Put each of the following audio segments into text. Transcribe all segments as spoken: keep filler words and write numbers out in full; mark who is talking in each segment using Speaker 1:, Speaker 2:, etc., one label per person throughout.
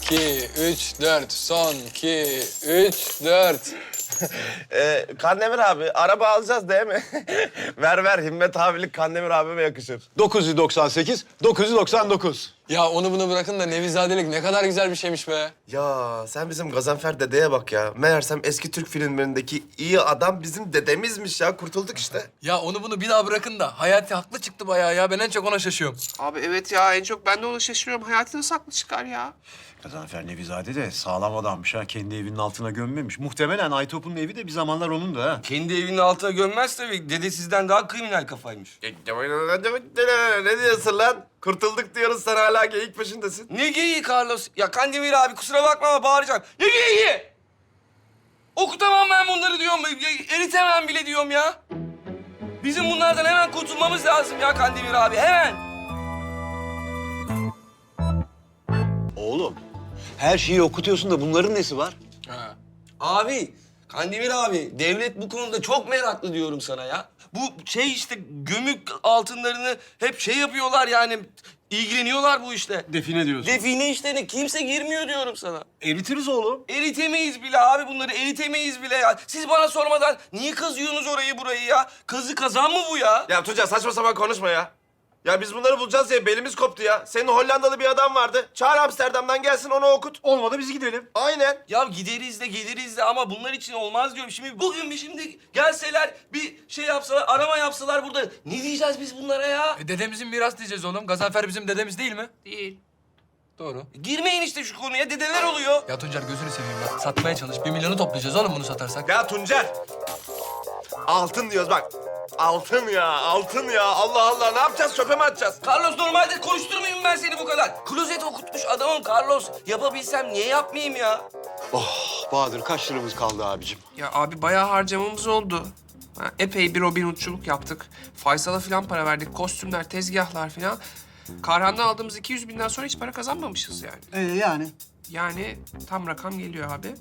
Speaker 1: iki, üç, dört. Son, iki, üç, dört.
Speaker 2: Ee, Kandemir abi, araba alacağız değil mi? ver ver, Himmet abilik Kandemir abime yakışır.
Speaker 3: dokuz yüz doksan sekiz, dokuz yüz doksan dokuz.
Speaker 1: Ya onu bunu bırakın da Nevizadelik ne kadar güzel bir şeymiş be.
Speaker 2: Ya sen bizim Gazanfer dedeye bak ya. Meğersem eski Türk filmlerindeki iyi adam bizim dedemizmiş ya. Kurtulduk işte.
Speaker 1: Ya onu bunu bir daha bırakın da Hayati haklı çıktı bayağı ya. Ben en çok ona şaşıyorum.
Speaker 4: Abi evet ya en çok ben de ona şaşırıyorum. Hayati nasıl haklı çıkar ya?
Speaker 3: Gazanfer Nevizade de sağlam adammış ha. Kendi evinin altına gömmemiş. Muhtemelen Aytop'un evi de bir zamanlar onun da ha.
Speaker 5: Kendi evinin altına gömmez tabii. Dede sizden daha kriminal kafaymış.
Speaker 2: Ne diyorsun lan? Kurtulduk diyoruz, sen hala geyik peşindesin.
Speaker 5: Ne geyiği Carlos? Ya Kandemir abi kusura bakma ama bağıracağım. Ne geyiği? Okutamam ben bunları diyorum. Eritemem bile diyorum ya. Bizim bunlardan hemen kurtulmamız lazım ya Kandemir abi. Hemen.
Speaker 3: Oğlum, her şeyi okutuyorsun da bunların nesi var?
Speaker 1: Ha.
Speaker 5: Abi, Kandemir abi, devlet bu konuda çok meraklı diyorum sana ya. Bu şey işte gömük altınlarını hep şey yapıyorlar yani, ilgileniyorlar bu işle.
Speaker 3: Define diyorsun.
Speaker 5: Define işlerine kimse girmiyor diyorum sana.
Speaker 3: Eritiriz oğlum.
Speaker 5: Eritemeyiz bile abi bunları, eritemeyiz bile ya. Siz bana sormadan niye kazıyorsunuz orayı burayı ya? Kazı kazan mı bu ya?
Speaker 2: Ya Tuncay, saçma sapan konuşma ya. Ya biz bunları bulacağız diye belimiz koptu ya. Senin Hollandalı bir adam vardı. Çağır Amsterdam'dan gelsin, onu okut.
Speaker 3: Olmadı biz gidelim.
Speaker 2: Aynen.
Speaker 5: Ya gideriz de geliriz de ama bunlar için olmaz diyorum. Şimdi bugün bir şimdi gelseler bir şey yapsalar, arama yapsalar burada. Ne diyeceğiz biz bunlara ya?
Speaker 1: E, dedemizin miras diyeceğiz oğlum. Gazanfer bizim dedemiz değil mi?
Speaker 4: Değil.
Speaker 1: Doğru.
Speaker 5: Girmeyin işte şu konuya, dedeler oluyor.
Speaker 1: Ya Tuncer gözünü seveyim bak. Satmaya çalış. Bir milyonu toplayacağız oğlum bunu satarsak.
Speaker 2: Ya Tuncer. Altın diyoruz bak. Altın ya, altın ya. Allah Allah, ne yapacağız? Çöpe mi atacağız?
Speaker 5: Carlos normalde konuşturmayayım ben seni bu kadar. Klozet okutmuş adamım Carlos. Yapabilsem niye yapmayayım ya?
Speaker 3: Oh, Bahadır kaç liramız kaldı abicim?
Speaker 4: Ya abi bayağı harcamamız oldu. Ha, epey bir Robin Hood'culuk yaptık. Faysal'a falan para verdik. Kostümler, tezgahlar falan. Karhan'dan aldığımız iki yüz binden sonra hiç para kazanmamışız yani.
Speaker 3: Ee, yani?
Speaker 4: Yani tam rakam geliyor abi.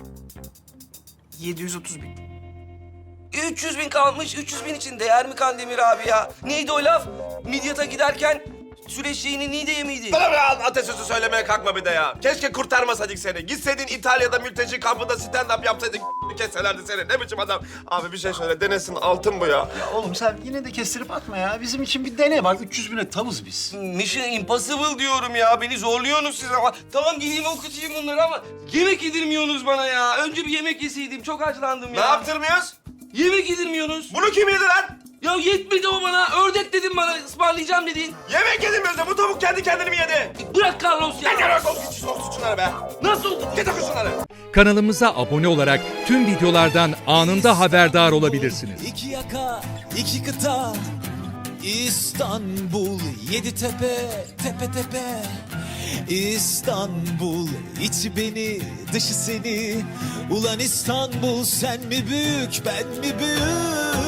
Speaker 4: yedi yüz otuz bin.
Speaker 5: üç yüz bin kalmış. üç yüz bin için değer mi Kandemir abi ya? Neydi o laf? Midyat'a giderken süreçliğini Niğde'ye miydi?
Speaker 2: Bana be, atasözü söylemeye kalkma bir de ya. Keşke kurtarmasaydık seni. Gitseydin İtalya'da mülteci kampında stand-up yapsaydın, kesselerdi seni. Ne biçim adam? Abi bir şey söyle, denesin, altın bu ya.
Speaker 3: Ya oğlum sen yine de kestirip atma ya. Bizim için bir dene bak. üç yüz bine tavız biz.
Speaker 5: Mission Impossible diyorum ya. Beni zorluyorsunuz siz ama. Tamam gideyim okutayım bunları ama yemek yedirmiyorsunuz bana ya. Önce bir yemek yeseydim. Çok açlandım
Speaker 2: Ne
Speaker 5: ya.
Speaker 2: yaptırmıyoruz?
Speaker 5: Yemek yedirmiyorsunuz.
Speaker 2: Bunu kim yedi lan?
Speaker 5: Ya yetmedi o bana. Ördek dedin bana. Ismarlayacağım dedin.
Speaker 2: Yemek yedimiyoruz da bu tavuk kendi kendini mi yedi?
Speaker 5: Bırak Carlos ya.
Speaker 2: Gel gel, git sok şunları be.
Speaker 5: Nasıl oldu?
Speaker 2: Git oku şunları.
Speaker 6: Kanalımıza abone olarak tüm videolardan anında haberdar olabilirsiniz.
Speaker 7: İki yaka, iki kıta, İstanbul, yedi tepe, tepe tepe. İstanbul, içi beni, dışı seni. Ulan İstanbul, sen mi büyük, ben mi büyük?